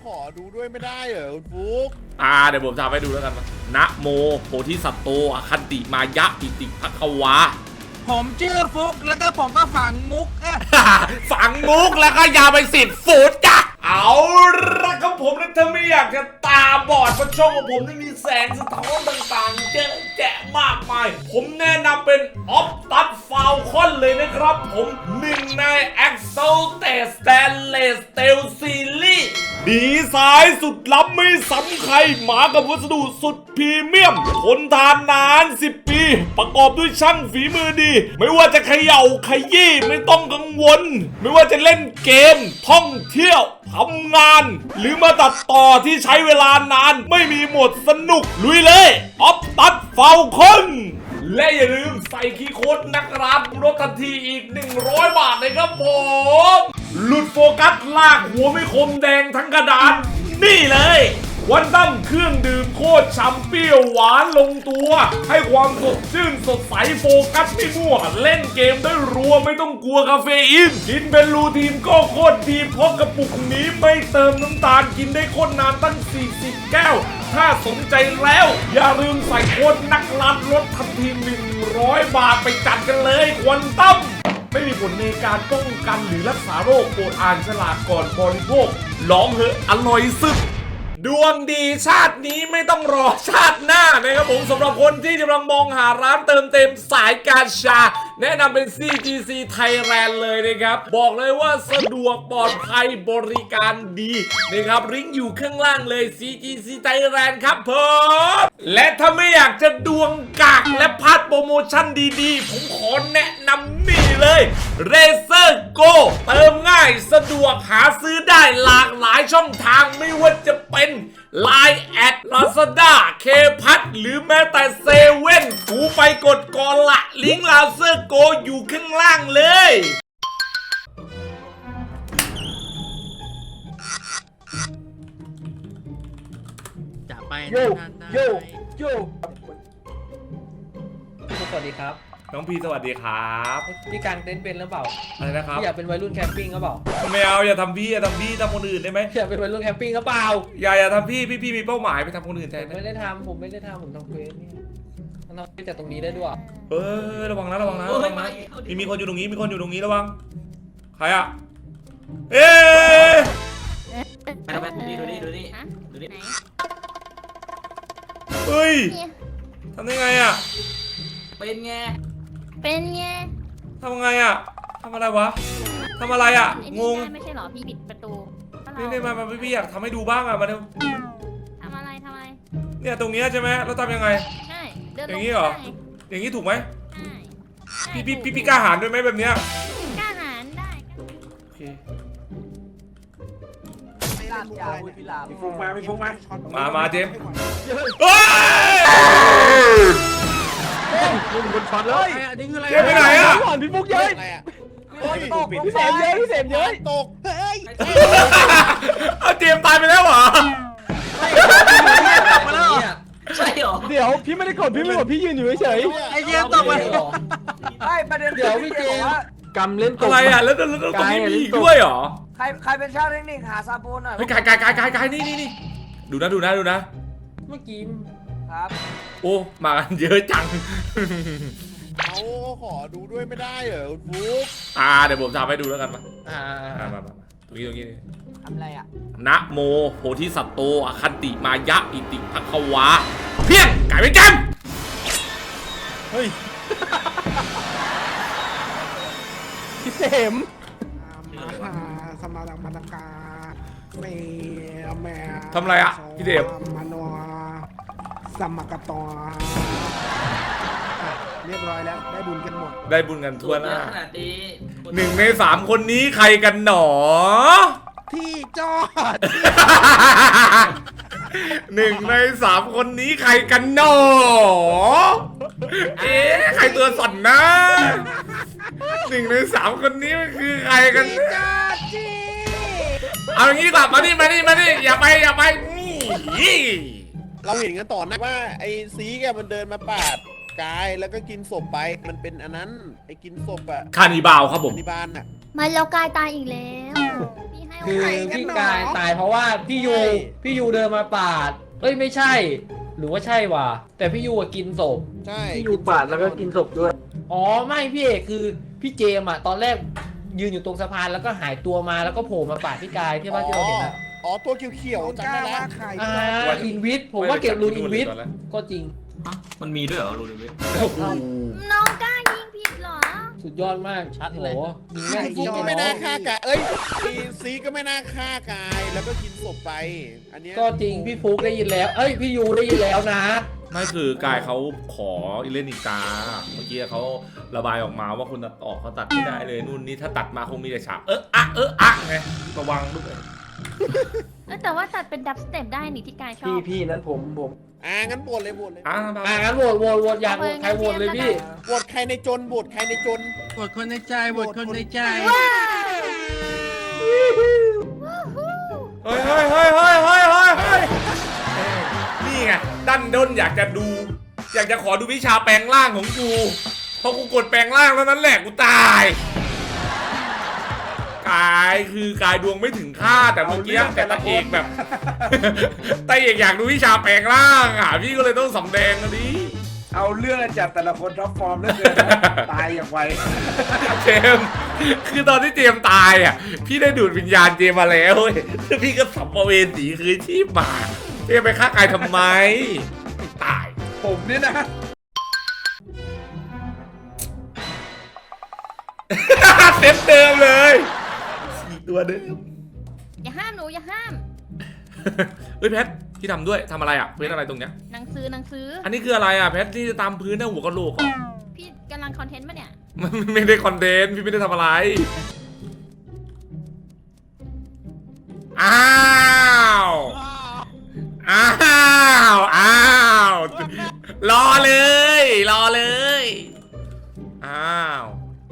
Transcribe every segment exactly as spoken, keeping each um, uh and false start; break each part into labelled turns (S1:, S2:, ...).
S1: ขอดูด้วยไม่ได้เหรอคุณฟุก
S2: อ่าเดี๋ยวผมทำให้ดูแล้วกันนะโมโพธิสัตโตอคันติมายะปิติภควา
S3: ผมชื่อฟุกแล้วก็ผมก็ฝังมุก
S2: ฝังมุกแล้วก็ยาวไปสิบฟุตจ้ะเอาละครับผมนะถ้าไม่อยากจะตาบอดเพราะช่องของผมนี่มีแสงสะท้อนต่างๆเยอะแยะมากมายผมแนะนำเป็นออฟตัดฟาวคอนเลยนะครับผมหนึ่งใน Exalted Stainless Steel Series ดีไซน์สุดล้ำไม่ซ้ำใครมากับวัสดุสุดพรีเมียมทนทานนานสิบปีประกอบด้วยช่างฝีมือดีไม่ว่าจะเขย่าขยี้ไม่ต้องกังวลไม่ว่าจะเล่นเกมท่องเที่ยวทำงานหรือมาตัดต่อที่ใช้เวลานานไม่มีหมดสนุกลุยเลยออฟตัดฟาวคอนและอย่าลืมใส่คีย์โค้ดนักรับลดทันทีอีกหนึ่งร้อยบาทเลยครับผมหลุดโฟกัสลากหัวไม่คมแดงทั้งกระดานนี่เลยวันตั้งเครื่องดื่มโคตรฉ่ำเปรี้ยวหวานลงตัวให้ความสดชื่นสดใสโฟกัสไม่มั่วเล่นเกมได้รัวไม่ต้องกลัวคาเฟอีนกินเป็นรูทีนก็โคตรดีเพราะกระปุกนี้ไม่เติมน้ำตาลกินได้โคตรนานตั้งสี่สิบแก้วถ้าสนใจแล้วอย่าลืมใส่โค้ดนักลัดลดทันทีหนึ่งร้อยบาทไปจัดกันเลยควันตั้มไม่มีผลในการป้องกันหรือรักษาโรคโปรดอ่านฉลากก่อนบริโภคลองเหอะอร่อยสุดดวงดีชาตินี้ไม่ต้องรอชาติหน้านะครับผมสำหรับคนที่กำลังมองหาร้านเติมเต็มสายการชาแนะนำเป็น ซี จี ซี Thailand เลยนะครับบอกเลยว่าสะดวกปลอดภัยบริการดีนะครับลิงก์อยู่ข้างล่างเลย ซี จี ซี Thailand ครับผมและถ้าไม่อยากจะดวงกากและพลาดโปรโมชั่นดีๆผมขอแนะนำนี่เลย Razer Go เติมง่ายสะดวกหาซื้อได้หลากหลายช่องทางไม่ว่าจะเป็นไลน์ แอด ลาซาด้า เคพัทหรือแม้แต่เซเว่นกูไปกดก่อนละลิงก์ Razer Go อยู่ข้างล่างเลย
S3: จะไป
S1: โยโยโยสวัสดีครับ
S2: น้องพีสวัสดีครับ
S1: พี่การเต้นเป็นหรือเปล่า
S2: อะไรนะครับ
S1: พี่อยากเป็นวัยรุ่นแคมปิ้งหรือเปล่า
S2: ไม่เอาอย่าทำพี่อย่าทำพี่ทำคนอื่นได้ไหม
S1: อยากเป็นวัยรุ่นแคมปิ้งหรือเปล่า
S2: อย่าอย่าทำพี่พี่พี่มีเป้าหมายไปทำคนอื่นแทน
S1: ไม่ได้ทำผมไม่ได้ทำผมทำเควสเนี่ยทำเควสจากตรงนี้ได้ด้วย
S2: เออระวังนะระวังนะระวังนะมีมีคนอยู่ตรงนี้มีคนอยู่ตรงนี้ระวังใครอะเอ๊ะ
S3: ดูนี่ดูนี่ดูนี่ดูนี่
S2: เฮ้ยทำได้ไงอะ
S3: เป็นไง
S4: เป็นไง
S2: ทำไงอะทำอะไรวะทำอะไรอะงง
S4: ไม่ใช่หรอพี่ปิดประตู
S2: นี่นี่มามาพี่อยากทำให้ดูบ้างอะมาเร็ว
S4: ทำอะไรทำอะไร
S2: เนี่ยตรงนี้ใช่ไหมเราทำยังไง
S4: ใช่เดิน
S2: อย่างนี้เหรออย่างนี้ถูกไหม
S4: ใช่
S2: พี่พี่พี่กล้าหาญด้วยไหมแบบเนี้ย
S4: กล้าหาญได้
S2: โอเค
S3: ไม่ลาบยาวพี่ลาบ
S1: มีฟุกมามีฟุกมา
S2: มามาเจมเฮ้ย
S1: ลุงบนช็อตเลยอันนี้คืออะไร
S2: เจมไปไหนอะ
S1: พี่ฟุกเย้ยตกพี่เสมเย้ยพี่เสมเย้ยตกเฮ้ย
S2: เอาเจมตายไปแล้วเหรอ
S3: มาแล้วใช่หรอ
S1: เดี๋ยวพี่ไม่ได้กดพี่ไม่กดพี่ยืนอยู่เฉย
S3: ไอ้เจมตกมา
S5: ไอ้ประเด็น
S1: เดี๋ยวพี่เจมกำเล่น
S2: อะไรอ่ะแล้วแล้วตรงนี้มีอีกด้วยเหรอ
S5: ใครใครเป็นช่างเทคนิคหาซาปูนหน่อย
S2: เฮ้ยกายกายกายกายกายนี่นี่นี่ดูนะดูนะดูนะ
S1: เมื่อกี้
S5: ครับ
S2: โอ้มากันเยอะจัง
S1: เขาขอดูด้วยไม่ได้เหรอคุณฟุก
S2: อ่าเดี๋ยวผมทำให้ดูแล้วกันมา
S1: อ่า
S2: มามาตรงนี้ตรงนี้
S5: ทำอะไรอ่ะ
S2: นะโมโพธิสัตโตอคันติมายะอิติภควาเพี้ยงไก่เป็นแกม
S1: เฮ้ยพี่เสม
S6: มาสมาดังมาดังกาเมแม่
S2: ทำอะไรอ่ะพี่เดฟ
S6: มานัวสมกตอเรียบร้อยแล้วได้บุญกันหมด
S2: ได้บุญกันทั่วหน้าหนึ่งในสามคนนี้ใครกันหนอ
S6: ที่จอด
S2: หนึ่งในสามคนนี้ใครกันหนอเอ๊ะใครตัวสั่นนะหนึ่งในสามคนนี้มันคือใครกันเอาอย่างนี้กลับมาดิมาดิมาดิอย่าไปอย่าไปนี่
S1: เราเห็นกันต่อนะว่าไอ้ซีแกมันเดินมาปาดกายแล้วก็กินศพไปมันเป็นอันนั้นไอ้กินศพอะ
S2: คานิบาลครับผม
S1: คานิบาลอะ
S4: มาแล้วกายตายอีกแล้วพี่ให้
S7: คือพี่กายตายเพราะว่าพี่ยูพี่ยูเดินมาปาดเอ้ยไม่ใช่ หรือว่าใช่วะแต่พี่ยูอะกินศพ
S1: ใช่
S5: พี่อยู่ปาดแล้วก็กินศพด้วย
S7: อ๋อไม่พี่เอกคือพี่เจมส์อะตอนแรกยืนอยู่ตรงสะพานแล้วก็หายตัวมาแล้วก็โผล่มาปาดพี่กายที่ว่าที่เราเห็นอะ
S1: อ๋อตัวเขียว
S6: น้อง
S1: ๆจำ
S6: กล้า
S1: ได้แล้ว
S6: ว่าใคร
S7: อ่าอินวิทผมว่าเก็บรูนอินวิทก็จริง
S3: ฮะมันมีด้วยเหรอรูนิวิท
S4: น้องกล้ายิงผิดเหรอ
S7: สุดยอดมากชัดเลยยิงแม่ง
S1: ฟุ
S7: ยิ
S1: ก
S7: ง
S1: ก็
S7: ไม่
S1: ไม่
S7: น้
S1: น่า
S7: อง
S1: ฆ่ากายเอ้ยซีซีก็ไม่น่าฆ่ากายแล้วก็กินศพไป อันเนี้ย
S7: ก็จริงพี่ฟุกได้ยินแล้วเอ้ยพี่ยูได้ยินแล้วนะ
S2: ไม่คือกายเขาขอเล่นอีกาเมื่อกี้เขาระบายออกมาว่าคุณตัดออกเขาตัดไม่ได้เลยนู่นนี่ถ้าตัดมาคงมีแต่ฉากเอออะเอออะไงระวังด้วย
S4: เอ้ยแต่ว่าตัดเป็นดับสเต็ปได้นี่ที่กายชอ
S5: พี่
S4: บ
S5: พี่นั้นผมผม
S1: อ่างั้นโหวตเลยโหวตเลย
S2: อ่ะ
S7: อ่างั้นโหวตโหวตโหวตอยากโหวตใครโหวตเลยพี่
S1: โหวตใครในจนโหวตใครในจน
S6: บทคนในใจบทคนในใจ
S2: เฮ้ยเฮ้ยเฮ้ยเฮ้ยเฮ้ยเฮ้ยเฮ้ยนี่ไงดันด้นอยากจะดู อยากจะขอดูวิชาแปลงร่างของกูพอกูกดแปลงร่างแล้วนั้นแหละกูตายกายคือกายดวงไม่ถึงค่าแต่เมื่อกี้แต่ตาเอกแบบ ตาเอกอยากดูวิชาแปลงร่างอ่ะพี่ก็เลยต้องสำแดงอันนี้
S5: เอาเรื่องจัดแต่ละคนท็อปฟอร์มเหลือเกินนะตายอย่างไว
S2: เจมส์คือตอนที่เจมส์ตายอ่ะพี่ได้ดูดวิญญาณเจมส์มาแล้วเว้ยแล้วพี่ก็สัมภเวสีคืนชีพมาเจมส์ไปฆ่ากายทำไมไม่ตาย
S5: ผมนี่นะ
S2: เซตเดิมเลยสี่ตัวเดิม
S4: อย่าห้ามหนูอย่าห้าม
S2: เฮ้ยแพทพี่ทำด้วยทำอะไรอ่ะเพื่อนอะไรตรงเนี้ย
S4: หนังสือหนังสือ
S2: อันนี้คืออะไรอ่ะแพทที่จะตามพื้นหน้าหัวกะโหลกเหรอ
S4: พี่กำลังคอนเทนต์ปะเนี่ย
S2: มันไม่ได้คอนเทนต์พี่ไม่ได้ทำอะไรอ้าวอ้าวอ้าวรอเลยรอเลยอ้าว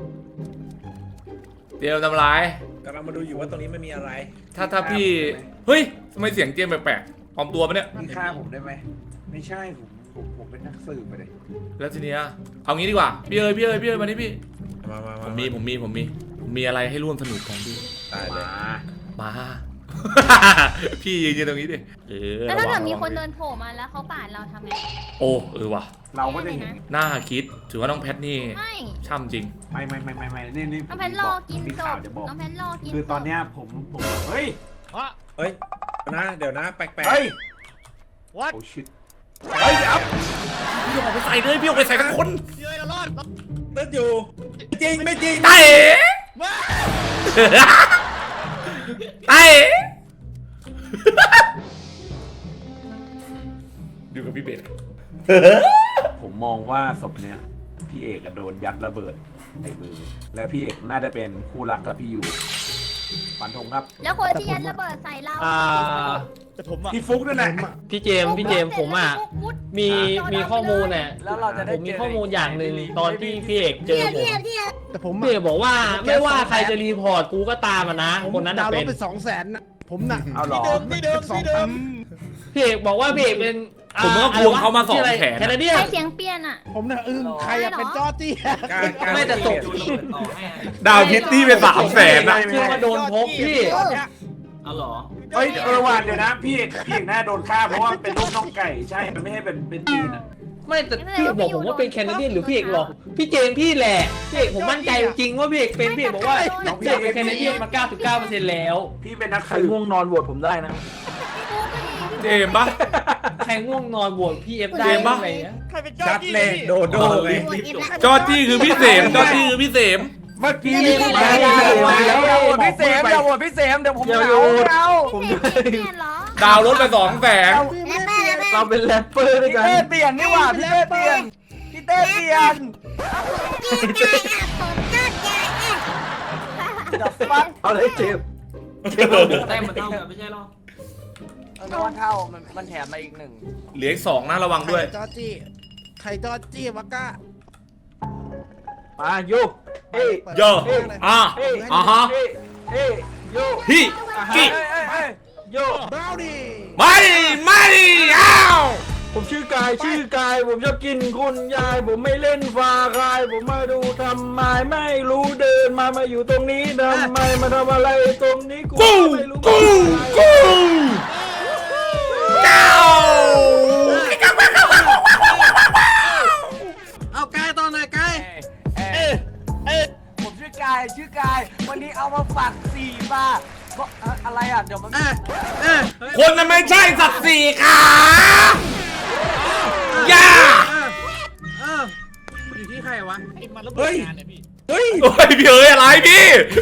S2: เดี๋ยวทำไร
S8: กำลังมาดูอยู่ว่าตรงนี้ไม่มีอะไร
S2: ถ้าถ้าพี่เฮ้ยทำไมเสียงเจมส์แปลกๆปลอมตัวปะเนี่ย
S5: พี่ฆ่าผมได้ไหมไม่ใช่ผมผมผมเป็นนักสืบไปเลย
S2: แล้วทีเนี้ยเอางี้ดีกว่าพี่เอ๋ยพี่เอ๋ยพี่เอ๋ยมานี่พี่
S8: มามา
S2: ผมมีผมมีผมมีผมมีอะไรให้ร่วมสนุกกันพี่
S8: ตายเลย
S2: มา พี่ยืนยืนตรงนี้ดิเออ
S4: แล้วถ้า
S2: ระ
S4: เกิ
S2: วั
S4: ด
S2: ง
S4: มีคน
S2: ระวั
S4: เดิ
S2: ง
S4: นโผล่มาแล้วเขาปาดเราทำไง
S2: โอ้เออว่ะ
S5: เราก็จะเห็น
S2: น่าคิดถือว่าน้องแพทนี่
S4: ไม่
S2: ช่ำจริง
S5: ไม่ไม่ไม่ไม่ไม่นี่นี่
S4: น้องแพนรอกิน
S5: มี
S4: ศ
S5: ข่าว
S4: พ
S5: จะบอก
S4: น้องแพนรอกิน
S5: คือตอนเนี้ยผมผมเฮ้ย
S8: เฮ้ยนะเดี๋ยวนะแปลก
S5: เฮ้ย
S1: What?
S5: โอ้ชิต
S2: เฮ้ยเดี๋ยวพี่ออกไปใส่เลยพี่ออกไปใส่ทั้งคน
S1: เย้ยเรารอด
S8: ๆตึ๊ดอยู่จริงไม่จริง
S2: ตาเอ๋ตาเอ๋ดูกับพี่เบส
S5: ผมมองว่าศพเนี้ยพี่เอกอะโดนยัดระเบิดในมือ แล้วพี่เอกน่าจะเป็นคู่รักกับพี่อยู่ฟันธงครับ
S4: แล้วคนที่ยัดระเบิดใส่เรา
S7: อ่า
S1: แต่ผมอะ
S5: พี่ฟุกด้วยนะ
S7: พี่เจมส์พี่เจมส์ผมอ่ะมีมีข้อมูลเนี่ย
S5: แล้วเราจะได้
S7: ผมมีข้อมูลอย่างหนึ่งตอนที่พี่เอกเจอผม
S6: แต่ผม
S7: พี่เอกบอกว่าไม่ว่าใครจะรีพอร์ตกูก็ตามมานะ
S6: ผม
S7: คนนั้น
S6: ดา
S7: น่ะ
S6: วน์โหล
S7: เป็
S6: ด
S7: น
S6: ไปสองแสนนะผมน่ะ
S5: เอาหรอ
S1: ที่เดิม
S6: สอง
S1: ที่เดิ
S6: พั
S1: ม
S6: น
S7: พี่เอกบอกว่าพี่เอกเป็น
S2: ผมก็ควงเขามาสองแขน
S7: แคนาเดีย
S4: ใคร
S7: น
S4: เสียงเปลี่ยนอ่ะ
S6: ผมน่ะอึ้งใครอะเป็นจอร์จี้
S8: การการ
S7: ไม่แต่ศพ
S3: ดูระเบิดต่อให้อะ
S2: ดาวพิตตี้เป็นสามแสนนะ
S7: เชื่อว่าโดนพบพี่
S3: เอาเหรอ
S5: เฮ้ยเออว่ะเดี๋ยวนะพี่เอกพี่เอกน่าโดนฆ่าเพราะว่าเป็นลูกน้องไก่ใช่ มันไม่ให้เป็นเป็นจีนอ่ะ
S7: ไม่แต่พี่เอกบอกผมว่าเป็นแคนาเดียนหรือพี่เอกหรอกพี่เจมส์พี่แหละพี่เอกผมมั่นใจจริงว่าพี่เอกเป็นพี่เอกบอกว่าพี่เอกเป็นแคนาเดียนมา เก้าสิบเก้าเปอร์เซ็นต์ แล้ว
S5: พี่เป็นนักสืบง่วงนอนโหวตผมได้นะ
S2: เจมส์ปะ
S7: ใครง่วงนอนโหวตพี่เอฟได้
S2: เจมส์ปะ
S7: อะไรเงี้ย
S1: ใครเป็นจอ
S8: ชั
S1: ร์
S8: ด
S1: จี้
S8: เลยโดโดเลย
S2: จอร์จี้คือพี่เสมจอร์จี้คือพี่เสม
S5: เมื่อกี้
S7: พี่
S5: พี่
S7: เอก
S5: เอก
S7: พี่เอก
S5: อย่าโหวตพี่เสมอย่าโหวตพี่เสมเดี๋ยวผมเหงาเอา
S4: พี่เสียงเปลี่ยนเหรอ
S2: ดาวรถไปสองแสน
S7: เราเป็นแรปเปอร์ด้วย
S5: พี่
S7: กัน
S5: เต้เปลี่ยนนี่หว่าพี่เต้เปลี่ยนพี่เต้เปลี่ยน เอาเลยเจ็บ
S3: แต้มมันเท่ากันไม่ใช่หรอ
S5: เออมันเท่ามันมันแถมมาอีกหนึ่ง
S2: เหลืออีกสองนะระวังด้วย
S6: จอร์จี้ใครจอร์จี้วะก้า
S5: มายุกเฮ้ย
S2: โยอ่ะ
S5: เฮ้ย
S2: อ่ะฮะ
S5: เฮ้ยเฮ้ยโย
S2: ฮิกิ
S5: เฮ้ยเฮ้ยเฮ้ยโย
S6: บราวนี่
S2: ไม่ไม่อ้าว
S5: ผ
S9: ผมชื่อกายชื่อกายผมชอบกินคุณยายผมไม่เล่นฟาคายผมมาดูทำไมไม่รู้เดินมามาอยู่ตรงนี้ทำไมมาทำอะไรตรงนี้กู
S2: กู
S9: ไม่รู้
S2: กูกูเจ้า
S8: เอากายตอนไหนกาย
S10: ผมชื่อกายชื่อกายวันนี้เอามาฝากสี่บาทก็อะไรอ่ะเดี๋ยวมัน
S2: คนนั้นไม่ใช่สัตว์สี่ขาอย่า
S8: อยู่ที่ใครวะ
S2: เฮ้ยเฮ้ยโอ้ยพี่เอ๋ยอะไรพี่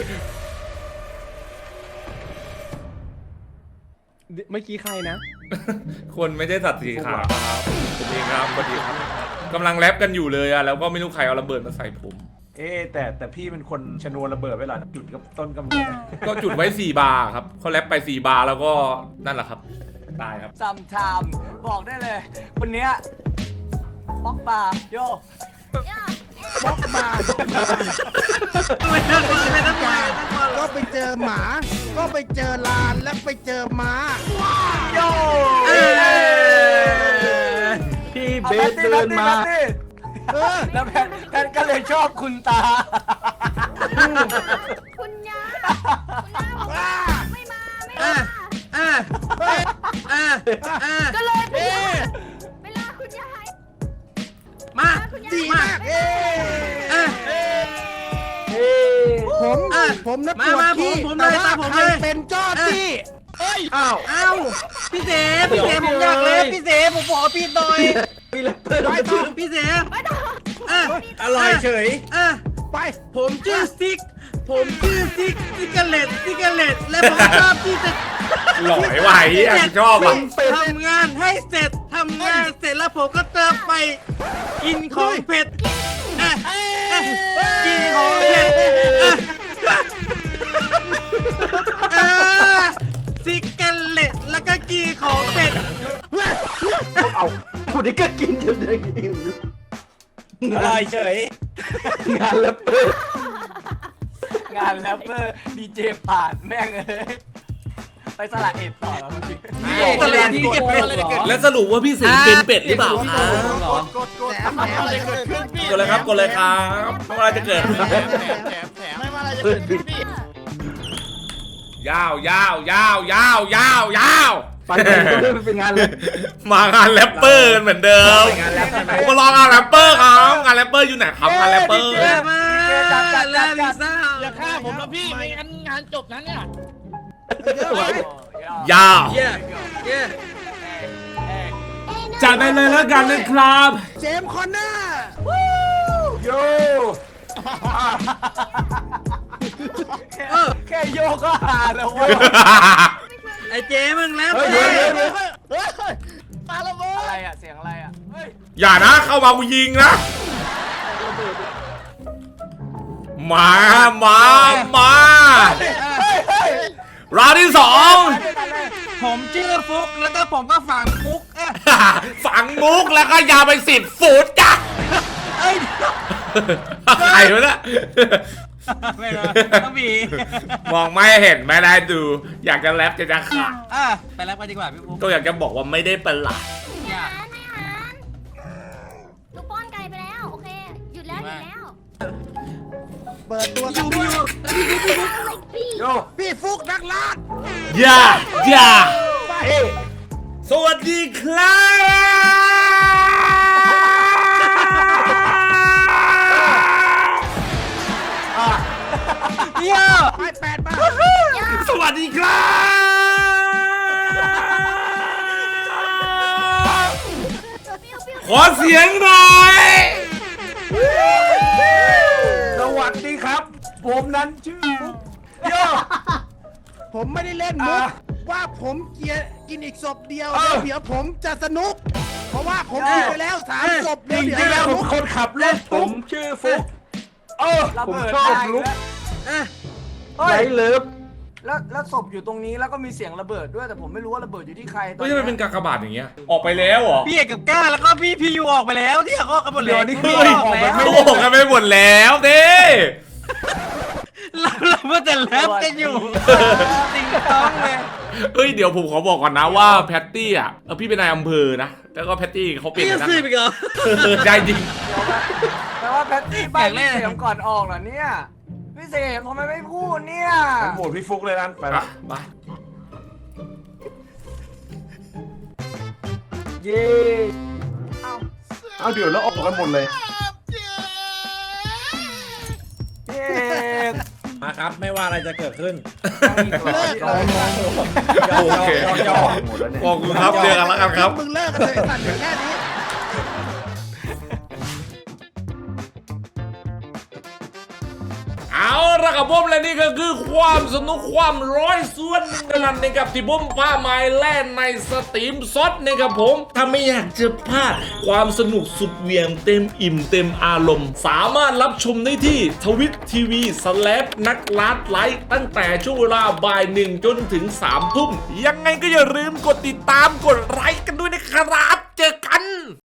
S6: เมื่อกี้ใครนะ
S2: คนไม่ใช่สัตว์สี่ขาครับผมเองครับสวัสดีครับกำลังแรปกันอยู่เลยอะแล้วก็ไม่รู้ใครเอาระเบิดมาใส่ผม
S5: เอ๊ะแต่แต่พี่เป็นคนชนวนระเบิดไว้เหรอจุดกับต้นกำเนิด
S2: ก็จุดไว้สี่บาร์ครับเขาแรปไปสี่บาร์แล้วก็นั่นแหละครับตายครับ
S10: ซัมไทม์บอกได้เลยคนเนี้ยป๊อกบาร์โย
S6: บล็อกมา
S8: ไม่ต้องไม่ต้องมา
S6: ก็ไปเจอหมา ก็ไปเจอลานแล้วไปเจอม้า
S10: โย
S9: พี่เบสเดินมา
S6: เออ
S10: แล้วแพนแพนก็เลยชอบคุณตา
S4: คุณย่าคุณย่าบอกว่าไม่มาไม่มา
S8: อ่ะอ่ะอ่ะ
S4: ก็เลยไปล่าไปล่าคุณยาย
S8: มา
S4: คุณยาย
S6: ดีมากเอ๊
S8: อ่ะ
S6: ผม
S8: อ่ะ
S6: ผมนะ
S8: มา
S6: ปวด
S8: มา
S6: ขี้
S8: ผมผม
S6: แต่
S8: เลย
S6: ว่า
S8: ผม
S6: ใคร
S8: เลย
S6: เป็นเจ้าที่
S9: อ้าว
S8: เอ้าพี่เสพี่เสผมอยากเล่นพี่เสผมขอพี่หน่อย
S9: มีแล้วเปิด
S6: ไปต่อ
S8: พี่เส
S4: ไม่ต้อง
S8: อ่ะ
S9: อร่อยเฉย
S8: อ่ะ
S6: ไป
S8: ผมชื่อซิก ผมชื่อซิกซิกาเลตซิกาเลตและผมชอบที่จะ
S2: หล่อยไหวอ่ะชอบอ่ะ
S8: ทำงานให้เสร็จทำงานเสร็จแล้วผมก็เติมไปกินของเผ็ดอ่ะอ่ะกินของเผ็ดอ่ะอ่ะซิกาเลตแล้วก็กินของเผ็ด
S9: เอาคนนี้ก็กินจนได้กิน
S8: อร่อยเฉย
S9: งานแล้วเปิด
S10: งานแรปเปอร์ดีเจผ่านแม่งเลยไปสลัดเอ็ดต่อแล้วพี่
S8: ตลาดที่เก็บเป็ด
S2: แล้วสรุปว่าพี่สิงห์เป็นเป็ดหรือเปล่าครับ
S1: กดกดแถมแถมอะไรเกิดขึ้นพี่
S2: กดเลยครับกดเลยครับไม่ว่าอะไรจะเกิด
S1: แถมแถมแถมแถมไม่ว่าอะไรจะเกิดขึ้นพี่
S2: ยาวยาวยาวยาวยาวยาว
S9: ปันเองก็เริ่มเป็นงานเลย
S2: มางานแรปเปอร์กันเหมือนเดิมผมมาลองงานแรปเปอร์ครับงานแรปเปอร์อยู่ไหนครับงานแรปเปอร์
S8: เยอะมากลาลิซ่า
S1: อย่าฆ่าผมนะพี่ไม่งั้นงานจบนั้นเนี่ย
S2: ยาว
S8: เย้เย้
S2: จัดไปเลยแล้วกันนะครับ
S6: เจมส์คอนเนอร์
S9: โย
S10: แค่โยกก็หาแล้วเว้ย
S8: ไอ้เจ๊มึงแล้ว
S9: เฮ้ยเดี๋ยวเดี๋ยวเดี๋ยว
S1: เฮ้ยปาระเบิด
S10: อะไรอ่ะเสียงอะไรอ่ะเฮ้ย
S2: อย่านะเข้ามากูยิงนะมามามาร้านที่สอง
S8: ผมชื่อฟุกแล้วก็ผมก็ฝังฟุกเอ๊ะ
S2: ฝังมุกแล้วก็ยาวไปสิบฟุตจ้ะใครวะเนี่ย
S8: ไม่รู้ต้องมี
S2: มองไม่เห็นไม่ได้ดู อยากจะแรปจะจะขาด
S8: อ่ะไปแล้วไปดีกว่าพี่ฟุก
S2: ก็อยากจะบอกว่าไม่ได้เป็นหลัก
S4: ไม่หันไม่หันลูกป้อนไก่ไปแล้ว โอเค หยุดแล้ว หยุดแล้ว
S6: เปิดตัว
S8: อยู่อยู่
S9: โย
S6: พี่ฟุกนักล่า
S2: อย่าอย่า
S9: เฮ้ย
S2: สวัสดีครับ
S8: เยี่ยม
S6: ไปแปดมา
S2: สวัสดีครับ ขอเสียงหน่อย
S9: สวัสดีครับ ผมนั้นชื่อฟุกโย
S6: ผมไม่ได้เล่นมุก
S9: อ่ะ
S6: ว่าผมเกียร์กินอีกศพเดียว
S9: เออ
S6: เดี๋ยวผมจะสนุก เพราะว่าผมกินไปแล้วสามศพ
S9: จ
S6: เดี๋ยว
S9: ริ
S6: เดี๋
S9: งๆ
S6: ย
S9: แล้ว
S6: ว
S9: ผมคนขับรถผมชื่อฟุกเออผมชอบลุก
S8: อ่ะ
S9: ไรเลิฟ
S10: แล้วแล้วศพอยู่ตรงนี้แล้วก็มีเสียงระเบิดด้วยแต่ผมไม่รู้ว่าระเบิดอยู่ที่ใครตอน
S2: เฮ้ย
S10: นี้
S2: ทำไมเป็นกากบาทอย่างเงี้ย ออกไปแล้วเหรอ
S8: พี่เอกกับก้าแล้วก็พี่พี่ยูออกไปแล้วที่เขากันหมดเลย
S9: เดี๋ยวนี่คือ
S2: เฮ้ย
S9: ออกไปไม่
S2: โกหกกันไปหมดแล้วเด้
S8: เราเราเมื่อแต่แรปกันอยู่ติงต้องเลย
S2: เอ้ยเดี๋ยวผมขอบอกก่อนนะว่าแพตตี้อ่ะเออพี่เป็นนายอำเภอนะแล้วก็แพตตี้เขาเปลี่ยน
S8: พี่
S2: ไป
S8: จะ
S2: นะ
S8: ซื้อไปเหรอ
S2: ใช่จริง
S10: แปลว่าแพตตี้ใบพี่เสียงก่อนออกเหรอเนี่ยพี่เสียงทำไมไม่พูดเนี่ย
S5: ผมโหวตพี่ฟุกเลยนั้นไป
S2: ไป
S5: ละ
S2: ไป
S9: เย้
S5: เอาเดี๋ยวแล้วออกกันหมดเลย
S10: พี่เอก
S7: มาครับไม่ว่าอะไรจะเกิดขึ้น
S1: เลิกเลย
S2: โอเค
S5: หมดแล้วเนี่ย
S2: ขอบคุณครับเจอกันแล้วกันครับ
S1: มึงเลิกกันเลยสัตว์อย่างแค่นี้
S2: เอาละครับผมและนี่ก็คือความสนุกความร้อยส่วนหนึ่งเท่านั้นนะครับที่ผมพาไม้แล่นในสตรีมซดนะครับผมถ้าไม่อยากจะพลาดความสนุกสุดเหวี่ยงเต็มอิ่มเต็มอารมณ์ สามารถรับชมได้ที่ทวิตทีวีสแลปนักลัดไลฟ์ตั้งแต่ช่วงเวลาบ่ายหนึ่งจนถึงสามทุ่มยังไงก็อย่าลืมกดติดตามกดไลค์กันด้วยนะครับเจอกัน